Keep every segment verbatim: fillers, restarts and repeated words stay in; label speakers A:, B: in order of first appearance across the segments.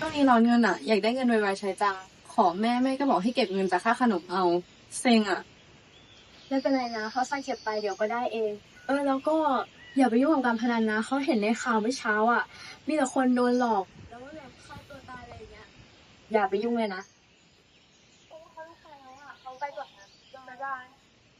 A: งนี้ร้อนเงินอ่ะอยากได้เงินไวๆใช้จังขอแม่แม่ก็บอกให้เก็บเงินจากค่าขนมเอาเซ็งอ่ะ
B: ไม่เป็นไรนะเขาใส่เก็บไปเดี๋ยวก็ได้เองเออแล้วก็อย่าไปยุ่งกับการพนันนะเขาเห็นในข่าวเมื่อเช้าอ่ะมีแต่คนโดนหลอกแล้วก็แบบฆ่าตัวตายอะไรอย่างเงี้ยอย่าไปยุ่งเลยนะโอ้เขาไม่ใช่แล้วอ่ะเขาไปก่อนนะบ๊ายบาย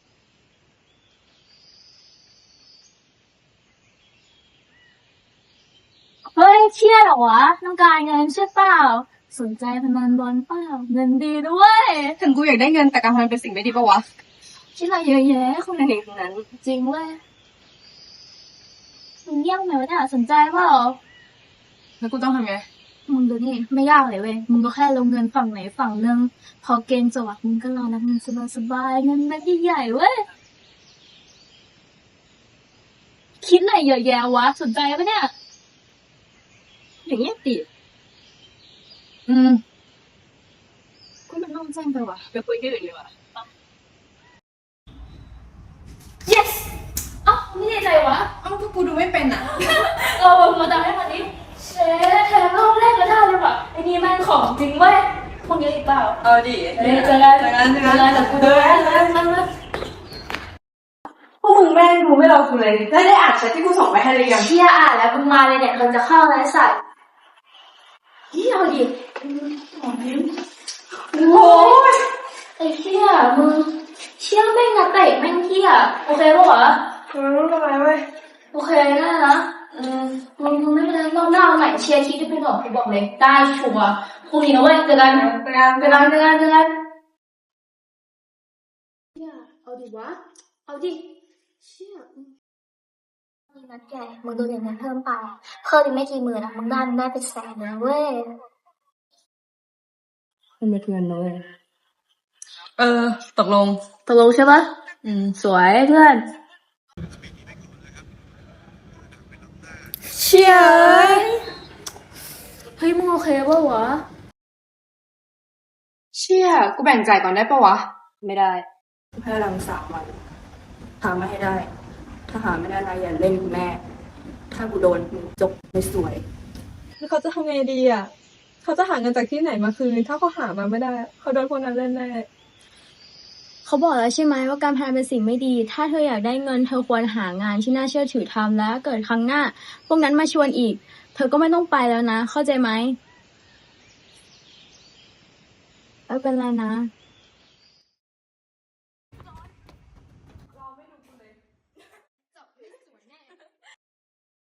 B: เฮ้ยเชี่ยเหรอวะต้องการเงินใช่เปล่าสนใจพนันบอลเปล่าเงินดีด้วย
A: ถึงกูอยากได้เงินแต่การพนันเป็นสิ่งไม่ดีปะวะ
B: คิดอะไรเยอะแยะคนในเด็กนั้นจริงเว้ยมึงเยี่ยมไหมวะเนี่ยสนใจเปล่า
A: แล้วกูต้องทำไง
B: มึงดูนี่ไม่ยากเลยเว้ยมึงก็แค่ลงเงินฝั่งไหนฝั่งหนึ่งพอเกณฑ์จบอะมึงก็รอนับเงินสบายๆเงินเม็ดใหญ่ๆเว้ยคิดอะไรเยอะแยะวะสนใจปะเนี่ยอย่างเงี้ยติ
A: อืม
B: กูมันต้องแจ้งไปวะ
A: ไปคุยที่อื่นดีกว่า
B: yes เอ้าไม่ได้ใจวะ
A: เอ้าก็กูดูไม่เป็นอ่ะ
B: เออมาดังให้มาดิเชฟแถมรอบแรกก็ได้เลยว่ะไอ้นี่แม่งของจริงเว้ยพวกนี้อีกเปล่า
A: เอาดิ
B: เดี๋ยวเจอกัน
A: เจอกันเจอกัน
B: เจอกันแต่กูดูแลแล้วนั่งเลย
A: พวกมึงแม่งดูไม่รอกูเลยได้ได้อ่านแชทที่กูส่งไปให้หรือยัง
B: เชี่ยอ่านแล้วมึงมาเลยเนี่ยมันจะเข้าไรสัตว์นี่เอาดิโอ้ยไอ้เชี่ยมึงเชี่ยแม่งนะเตะแม่งเที่ยโอเคปะวะ
A: เออไม่เป็นไรเว้ย
B: โอเคนะนะอืมมึงไม่เป็นไรรอบหน้าเอาใหม่เชียร์ทีที่เป็นหรอกกูบอกเลยได้ชัวร์พรุ่งนี้นะเว้ยเจอกัน
A: เจอกัน
B: เจอกันเจอกันเจอกันเชี่ยเอาดิวะเอาดิเชี่ยนี่นัดแกมึงดูอย่างนั้นเพิ่มไปเพิ่มอีกไม่กี่หมื่นอะมึงได้มึงได้เป็นแสนนะเว้ย
A: มันเป็นเงินนะเว้ยเออตกลง
B: ตกลงใช่ปะ
A: อืม
B: สวยเพื่อนเชี่ยเฮ้ยมึงโอเคปะวะ
A: เชี่ยกูแบ่งจ่ายก่อนได้ปะวะ
B: ไม่ได้
A: ให้รังสามวันหามาให้ได้ ถ้าหาไม่ได้นะอย่าเล่นกูแน่ถ้ากูโดนมึงจบไม่สวย
C: แล้วเขาจะทำไงดีอ่ะเขาจะหาเงินจากที่ไหนมาคืนถ้าเขาหามาไม่ได้เขาโดนคนนั้นเล่นแน่
B: เขาบอกแล้วใช่ไหมว่าการพนันเป็นสิ่งไม่ดีถ้าเธออยากได้เงินเธอควรหางานที่น่าเชื่อถือทำแล้วเกิดครั้งหน้าพวกนั้นมาชวนอีกเธอก็ไม่ต้องไปแล้วนะเข้าใจไหมไม่เป็นไรนะ